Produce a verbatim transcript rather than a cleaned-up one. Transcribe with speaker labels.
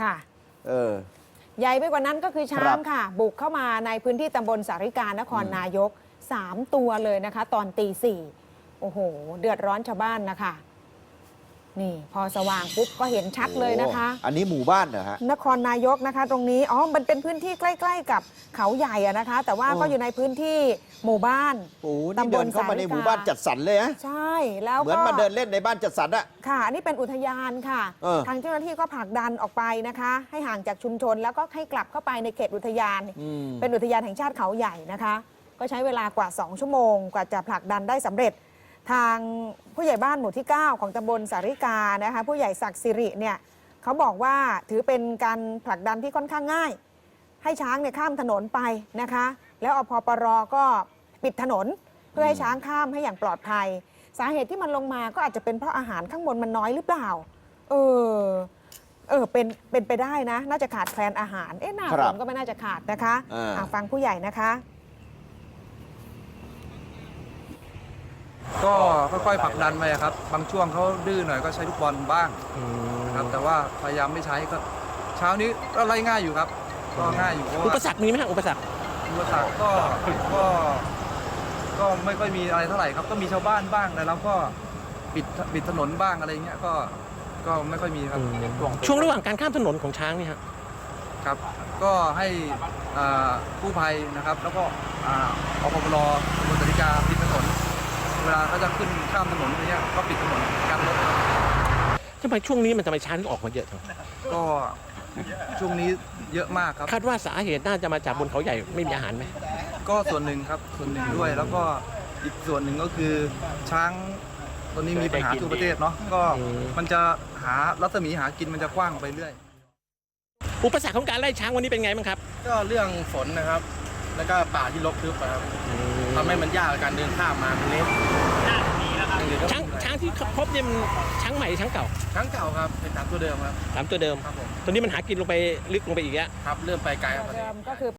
Speaker 1: ค่ะ
Speaker 2: เออ
Speaker 1: ใหญ่ไปกว่านั้นก็คือช้างค่ะ บุกเข้ามาในพื้นที่ตำบลสาริกานครนายกสามตัวเลยนะคะ ตอนตีสี่โอ้โห เดือดร้อนชาวบ้านนะคะนี่พอสว่างปุ๊บก็เห็นชัดเลยนะคะ
Speaker 2: อันนี้หมู่บ้านเหรอฮะ
Speaker 1: นครนายกนะคะ ตรงนี้อ๋อมันเป็นพื้นที่ใกล้ๆกับเขาใหญ่อะนะคะ แต่ว่าก็อยู่ในพื้นที่หมู่บ้าน
Speaker 2: โอ้นี่เดินเข้ามาในหมู่บ้านจัดสรรเลยฮะ
Speaker 1: ใช่แล้วก็
Speaker 2: เหมือนมาเดินเล่นในบ้านจัดสรรอะ
Speaker 1: ค่ะอันนี้เป็นอุทยานค่ะ ทางเจ้าหน้าที่ก็ผลักดันออกไปนะคะ ให้ห่างจากชุมชนแล้วก็ให้กลับเข้าไปในเขตอุทยาน เป็นอุทยานแห่งชาติเขาใหญ่นะคะ ก็ใช้เวลากว่าสองชั่วโมงกว่าจะผลักดันได้สำเร็จ ทางผู้ใหญ่บ้านหมู่ที่เก้าของตำบลสาริกานะคะผู้ใหญ่ศักดิ์สิริเนี่ยเขาบอกว่าถือเป็นการผลักดันที่ค่อนข้างง่าย ให้ช้างเนี่ยข้ามถนนไปนะคะ แล้วอพปรก็ปิดถนนเพื่อให้ช้างข้ามให้อย่างปลอดภัย สาเหตุที่มันลงมาก็อาจจะเป็นเพราะอาหารข้างบนมันน้อยหรือเปล่าเออเออเป็นเป็นไปได้นะ น่าจะขาดแคลนอาหารเอ๊ะหน้าฝนก็ไม่น่าจะขาดนะคะอ่ะฟังผู้ใหญ่นะคะ
Speaker 3: ก็ค่อยๆผลักดันไปครับบางช่วงเขาดื้อหน่อยก็ใช้ลูกบอลบ้างครับแต่ว่าพยายามไม่ใช้ก็เช้านี้ก็ไล่ง่ายอยู่ครับก็ง่ายอยู่เพราะว่า
Speaker 4: อุปสรรคมีไหมฮะอุปสรรค
Speaker 3: อุปสรรคก็ก็ก็ไม่ค่อยมีอะไรเท่าไหร่ครับก็มีชาวบ้านบ้างแต่เราก็ปิดปิดถนนบ้างอะไรเงี้ยก็ก็ไม่ค่อยมีครับ
Speaker 4: ช่วงระหว่างการข้ามถนนของช้างนี่ฮะ
Speaker 3: ครับก็ให้อ่ากู้ภัยนะครับแล้วก็อ่าอปปรบนสาริกาปิดถนนเวลาเขาจะขึ้นข้ามถนนอะไรเงี้ยก็ปิดถนนกันรถ
Speaker 4: ทำไมช่วงนี้มันทำไมช้างถึงออกมาเยอะจัง
Speaker 3: ก็ช่วงนี้เยอะมากครับ
Speaker 4: คาดว่าสาเหตุน่าจะมาจากบนเขาใหญ่ไม่มีอาหารไหม
Speaker 3: ก็ส่วนหนึ่งครับส่วนหนึ่งด้วยแล้วก็อีกส่วนหนึ่งก็คือช้างตอนนี้มีปัญหาทั่วประเทศเนาะก็มันจะหารัศมีหากินมันจะกว้างไปเรื่อย
Speaker 4: อุปสรรคของการไล่ช้างวันนี้เป็นไงบ้างครับ
Speaker 5: ก็เรื่องฝนนะครับ แล้วก็ป่าที่รกทึบอะครับทำให้มันยากกับการเดินข้ามมาเป็นเล็ก
Speaker 4: ช้างช้างที่พบเนี่ยมันช้างใหม่ช้างเก่า
Speaker 5: ช้างเก่าครับเป็นช้างตัวเดิมครับ
Speaker 4: สามตัวเดิม
Speaker 5: ครับผม
Speaker 4: ตอนนี้มันหากินลงไปลึกลงไปอีกแล้ว
Speaker 5: ครับเริ่มไปไกลครับ
Speaker 1: เดิมก็คือ